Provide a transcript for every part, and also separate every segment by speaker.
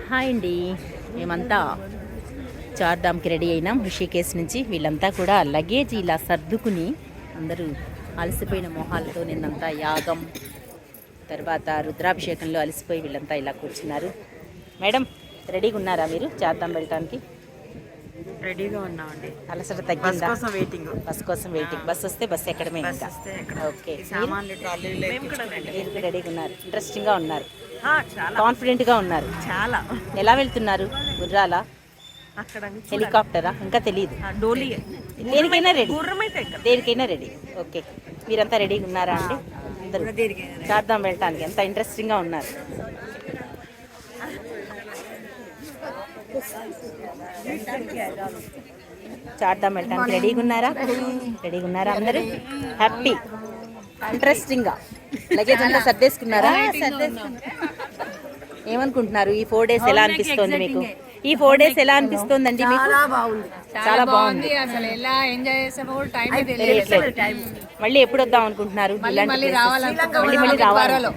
Speaker 1: Hi అండి, మేమంతా చార్ధామ్కి ready అయినాం ఋషికేశ్ నుంచి. వీళ్ళంతా కూడా లగేజ్ ఇలా సర్దుకుని అందరూ అలసిపోయిన మొహాలతో నిన్నంతా యాగం తర్వాత రుద్రాభిషేకంలో అలసిపోయి వీళ్ళంతా ఇలా కూర్చున్నారు. మేడం రెడీగా ఉన్నారా మీరు చార్ధాం వెళ్ళటానికి?
Speaker 2: రెడీగా ఉన్నామండి.
Speaker 1: అలసట తగ్గిందా?
Speaker 2: బస్ కోసం వెయిటింగ్.
Speaker 1: బస్ వస్తే బస్ ఎక్కడమే ఇంకా. ఓకే, మీరు రెడీగా ఉన్నారు, ఇంట్రెస్టింగ్గా ఉన్నారు, కాన్ఫిడెంట్గా ఉన్నారు.
Speaker 2: చాలా.
Speaker 1: ఎలా వెళ్తున్నారు? గుర్రాలా, హెలికాప్టరా? ఇంకా తెలియదు. దేనికైనా రెడీ, దేనికైనా రెడీ. ఓకే, మీరంతా రెడీగా ఉన్నారా అండి? అందరూ చార్ధాం వెళ్ళటానికి ఎంత ఇంట్రెస్టింగ్గా ఉన్నారు. చార్ధాం వెళ్ళటానికి రెడీగా ఉన్నారా? రెడీగా ఉన్నారా అందరూ? హ్యాపీ, ఇంట్రెస్టింగ్గా లగేజ్ అంతా సర్దేసుకున్నారా? ఏమనుకుంటున్నారు? ఈ 4 days ఎలా అనిపిస్తుంది మీకు? ఈ 4 days ఎలా అనిపిస్తుందండి మీకు? చాలా బాగుంది.
Speaker 3: అసలు ఎలా ఎంజాయ్ చేసామో కూడా టైం
Speaker 1: మళ్ళీ ఎప్పుడు వద్దాం అనుకుంటున్నారు? మళ్ళీ రావాలి.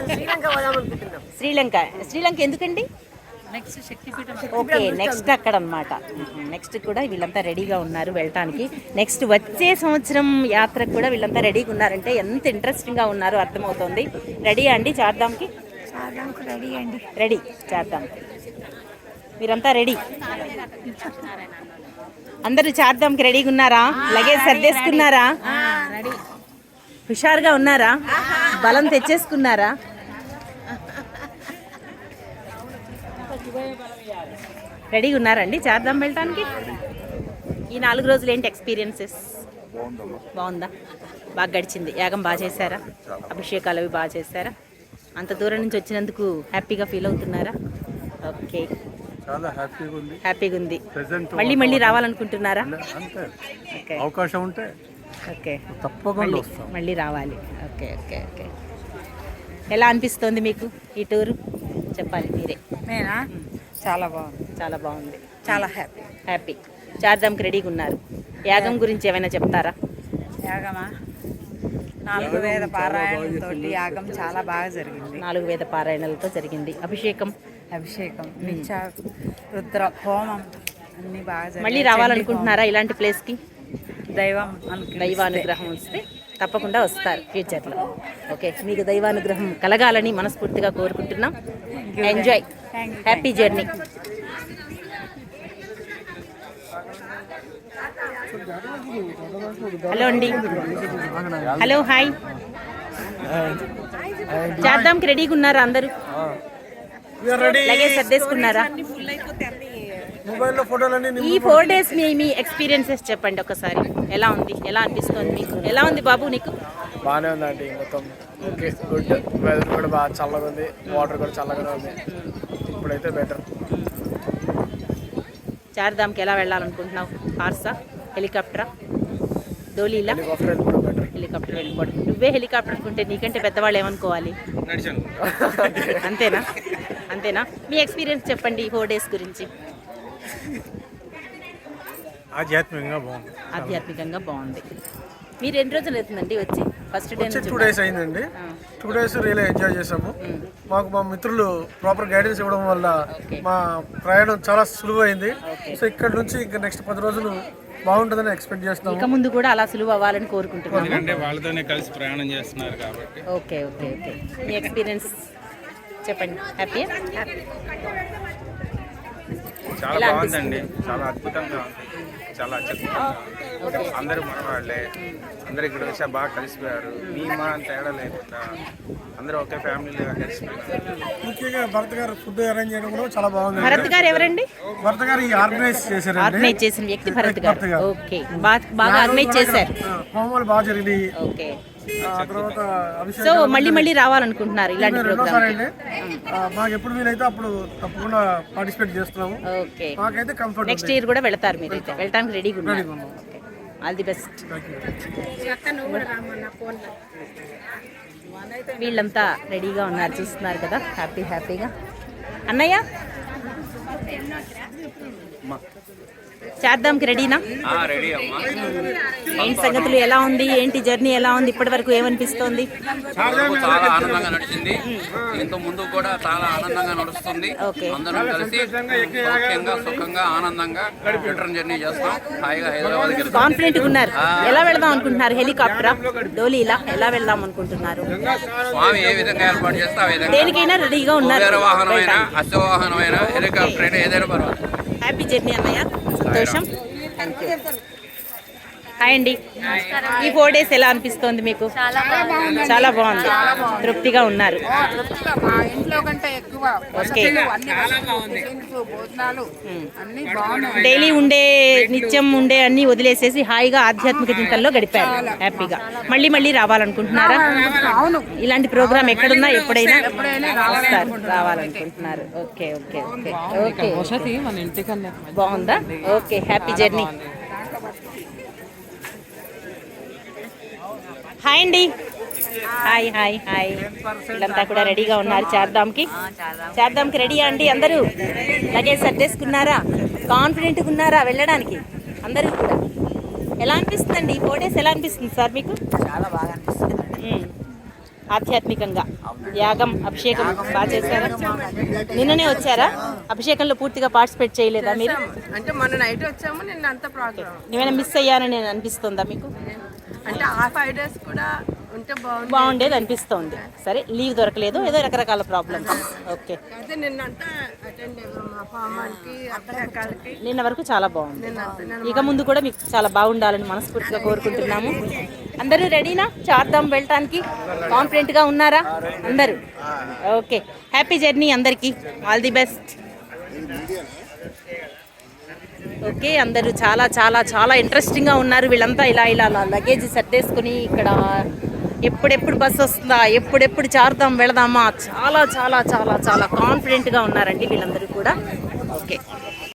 Speaker 1: శ్రీలంక ఎందుకండి? ఓకే, నెక్స్ట్ అక్కడ అనమాట. నెక్స్ట్ కూడా వీళ్ళంతా రెడీగా ఉన్నారు వెళ్ళటానికి. నెక్స్ట్ వచ్చే సంవత్సరం యాత్రకు కూడా వీళ్ళంతా రెడీగా ఉన్నారంటే ఎంత ఇంట్రెస్టింగ్గా ఉన్నారో అర్థమవుతుంది. రెడీ అండి చార్ధాంకి?
Speaker 3: రెడీ అండి.
Speaker 1: రెడీ చార్ధాంకి. మీరంతా రెడీ? అందరూ చార్ధాంకి రెడీగా ఉన్నారా? లగేజ్ సర్దేసుకున్నారా? హుషారుగా ఉన్నారా? బలం తెచ్చేసుకున్నారా? రెడీగా ఉన్నారండి చార్ధాం వెళ్ళటానికి? ఈ 4 రోజులు ఏంటి ఎక్స్పీరియన్సెస్? బాగుందా? బాగా గడిచింది? యాగం బాగా చేశారా? అభిషేకాలు అవి బాగా చేశారా? అంత దూరం నుంచి వచ్చినందుకు హ్యాపీగా ఫీల్ అవుతున్నారా? ఓకే, హ్యాపీగా ఉంది. మళ్ళీ రావాలనుకుంటున్నారా? ఓకే,
Speaker 4: అవకాశం ఉంటే
Speaker 1: ఓకే
Speaker 4: తప్పకుండా
Speaker 1: మళ్ళీ రావాలి. Okay okay okay. ఎలా అనిపిస్తోంది మీకు ఈ టూరు? చెప్పాలి మీరే.
Speaker 2: నేనా? చాలా బాగుంది.
Speaker 1: చాలా బాగుంది.
Speaker 2: చాలా
Speaker 1: హ్యాపీ. చార్ధాంకి రెడీగా ఉన్నారు. యాగం గురించి ఏమైనా చెప్తారా?
Speaker 2: యాగమా? 4 వేద పారాయణలతో యాగం చాలా బాగా జరిగింది.
Speaker 1: 4 వేద పారాయణలతో జరిగింది. అభిషేకం
Speaker 2: నిత్య రుద్ర హోమం అన్ని బాగా జరిగింది.
Speaker 1: మళ్ళీ రావాలనుకుంటున్నారా ఇలాంటి ప్లేస్కి? దైవానుగ్రహం వస్తే తప్పకుండా వస్తారు ఫ్యూచర్లో. ఓకే, మీకు దైవానుగ్రహం కలగాలని మనస్ఫూర్తిగా కోరుకుంటున్నాం. Enjoy, happy journey. హలో అండి. Hello, hi. చార్ధాంకి రెడీగా ఉన్నారా అందరూ? లగేజ్ సర్దేసుకున్నారా? ఈ 4 days మీ ఎక్స్పీరియన్సెస్ చెప్పండి ఒకసారి. ఎలా ఉంది? ఎలా అనిపిస్తుంది మీకు? ఎలా ఉంది బాబు నీకు?
Speaker 5: బాగానే ఉందండి మొత్తం. Okay, good. వెదర్ కూడా బాగా చల్లగా ఉంది, వాటర్ కూడా చల్లగానే ఉంది. ఇప్పుడైతే బెటర్.
Speaker 1: చార్ధాంకి ఎలా వెళ్ళాలనుకుంటున్నావు? కార్సా, హెలికాప్టరా, డోలీలా? హెలికాప్టర్ వెళ్ళిపోవడం. నువ్వే హెలికాప్టర్ అనుకుంటే నీకంటే పెద్దవాళ్ళు ఏమనుకోవాలి? అంతేనా? మీ ఎక్స్పీరియన్స్ చెప్పండి ఈ 4 days గురించి. ఆధ్యాత్మికంగా బాగుంది. మీరు ఎన్ని రోజులు అవుతుందండి వచ్చి? ఫస్ట్ డే
Speaker 4: 2 days అయిందండి. 2 days రియల్ ఎంజాయ్ చేసాము. మాకు మా మిత్రులు ప్రాపర్ గైడెన్స్ ఇవ్వడం వల్ల మా ప్రయాణం చాలా సులువైంది. సో ఇక్కడ నుంచి ఇంకా నెక్స్ట్ 10 రోజులు బాగుంటుందని ఎక్స్పెక్ట్ చేస్తున్నాము.
Speaker 1: ఇక ముందు కూడా అలా సులువు అవ్వాలని కోరుకుంటున్నాము.
Speaker 6: వాళ్ళతోనే కలిసి ప్రయాణం చేస్తున్నారు కాబట్టి.
Speaker 1: ఓకే. మీ ఎక్స్పీరియన్స్ చెప్పండి. హ్యాపీ?
Speaker 6: చాలా బాగుందండి, చాలా అద్భుతంగా ఉంది, చాలా అత్యద్భుతంగా. అందరూ మన వాళ్ళే, అందరు ఇక్కడ వచ్చా బాగా కలిసిపోయారు. మా తేడా లేకుండా అందరూ ఒకే ఫ్యామిలీగా కలిసిపోయారు.
Speaker 4: ముఖ్యంగా భరత్ గారు ఫుడ్ అరేంజ్ చేయడం కూడా చాలా బాగుంది.
Speaker 1: భరత్ గారు ఎవరండి?
Speaker 4: భరత్ గారు ఆర్గనైజ్
Speaker 1: చేసిన వ్యక్తి భరత్ గారు. ఓకే, బాగా ఆర్గనైజ్ చేశారు.
Speaker 4: హోమాలు బాగా జరిగినాయి.
Speaker 1: ఓకే, సో మళ్ళీ రావాలనుకుంటున్నారు ఇలాంటి ప్రోగ్రామ్?
Speaker 4: మాకు ఎప్పుడు వీలైతే అప్పుడు తప్పకుండా పార్టిసిపేట్ చేస్తున్నాము.
Speaker 1: ఓకే,
Speaker 4: మాకైతే కంఫర్ట్.
Speaker 1: నెక్స్ట్ ఇయర్ కూడా వెళ్తారు మీరు? అయితే వెళ్ళడానికి రెడీగా ఉన్నారు. All the best. వీళ్ళంతా రెడీగా ఉన్నారు, చూస్తున్నారు కదా, హ్యాపీగా. అన్నయ్య చేద్దాంకి రెడీనా?
Speaker 7: రెడీ అమ్మా.
Speaker 1: ఏంటి సంగతులు, ఎలా ఉంది, ఏంటి జర్నీ ఎలా ఉంది, ఇప్పటి వరకు ఏమనిపిస్తోంది?
Speaker 7: ఇంతవరకు చాలా ఆనందంగా నడిచింది. ఇంత ముందు కూడా చాలా ఆనందంగా నడుస్తుంది.
Speaker 1: ఓకే.
Speaker 7: అందరం కలిసి సౌఖ్యంగా సుఖంగా ఆనందంగా రిటర్న్ జర్నీ చేస్తాం. హాయిగా హైదరాబాద్ వెళ్తాం.
Speaker 1: కాన్ఫిడెంట్ గా ఉన్నారు. ఎలా వెళ్దాం అనుకుంటున్నారు? హెలికాప్టరా, డోలీలా, ఎలా వెళ్దాం అనుకుంటున్నారు?
Speaker 7: స్వామి ఏ విధంగా ఏర్పాటు చేస్తే ఆ విధంగా.
Speaker 1: దేనికైనా రెడీగా ఉన్నారు.
Speaker 7: కుబేర వాహనమైనా అశ్వవాహనమైనా హెలికాప్టర్ అయినా ఏదైనా పర్వాలేదు.
Speaker 1: హ్యాపీ జర్నీ అన్నయ్య, సంతోషం. Thank you. హాయ్ అండి. ఈ 4 days ఎలా అనిపిస్తోంది మీకు? చాలా బాగుంది. తృప్తిగా ఉన్నారు.
Speaker 2: మా ఇంట్లో కంటే ఎక్కువ
Speaker 1: ఓకే.
Speaker 2: భోజనాలు అన్ని బాగున్నాయి.
Speaker 1: డైలీ ఉండే నిత్యం ఉండే అన్ని వదిలేసేసి హాయిగా ఆధ్యాత్మిక చింతనలో గడిపారు హ్యాపీగా. మళ్ళీ మళ్ళీ రావాలనుకుంటున్నారా? ఇలాంటి ప్రోగ్రామ్ ఎక్కడున్నా ఎప్పుడైనా వస్తారు, రావాలనుకుంటున్నారు. Okay okay okay okay.
Speaker 2: మన ఇంటికన్నా
Speaker 1: బాగుందా? Okay, happy journey. హాయ్ అండి. Hi hi hi. వీళ్ళంతా కూడా రెడీగా ఉన్నారు చేద్దాంకి రెడీయా అండి? అందరూ లగేజ్ సర్దేసుకున్నారా? కాన్ఫిడెంట్గా ఉన్నారా వెళ్ళడానికి? అందరూ కూడా ఎలా అనిపిస్తుందండి? ఈ 4 days ఎలా అనిపిస్తుంది సార్ మీకు?
Speaker 2: చాలా బాగా అనిపిస్తుంది.
Speaker 1: ఆధ్యాత్మికంగా యాగం, అభిషేకం బాగా చేశారా? నిన్ననే వచ్చారా? అభిషేకంలో పూర్తిగా పార్టిసిపేట్ చేయలేదా మీరు?
Speaker 2: అంటే మొన్న నైట్ వచ్చాము, నిన్న అంతా ప్రోగ్రామ్.
Speaker 1: ఏమైనా మిస్ అయ్యానని అనిపిస్తుందా మీకు?
Speaker 2: అంటే ఆ 5 days కూడా ఉంటే
Speaker 1: బాగుండేది అనిపిస్తోంది. సరే, లీవ్ దొరకలేదు, ఏదో రకరకాల ప్రాబ్లమ్స్. ఓకే.
Speaker 2: అయితే నిన్నంతా అటెండ్ అయ్యాము. మా ఫామానికి అక్కడికి
Speaker 1: నిన్న వరకు చాలా బాగుంది. ఇక ముందు కూడా మీకు చాలా బాగుండాలని మనస్ఫూర్తిగా కోరుకుంటున్నాము. అందరూ రెడీనా చార్ధామ్ వెళ్ళటానికి? కాన్ఫిడెంట్గా ఉన్నారా అందరూ? ఓకే, హ్యాపీ జర్నీ అందరికీ. All the best. ఓకే, అందరూ చాలా చాలా చాలా ఇంట్రెస్టింగ్గా ఉన్నారు. వీళ్ళంతా ఇలా ఇలా లగేజ్ సర్దేసుకుని ఇక్కడ ఎప్పుడెప్పుడు బస్సు వస్తుందా, ఎప్పుడెప్పుడు చార్ధామ్ వెళదామా, చాలా చాలా చాలా చాలా కాన్ఫిడెంట్గా ఉన్నారండి వీళ్ళందరూ కూడా. ఓకే.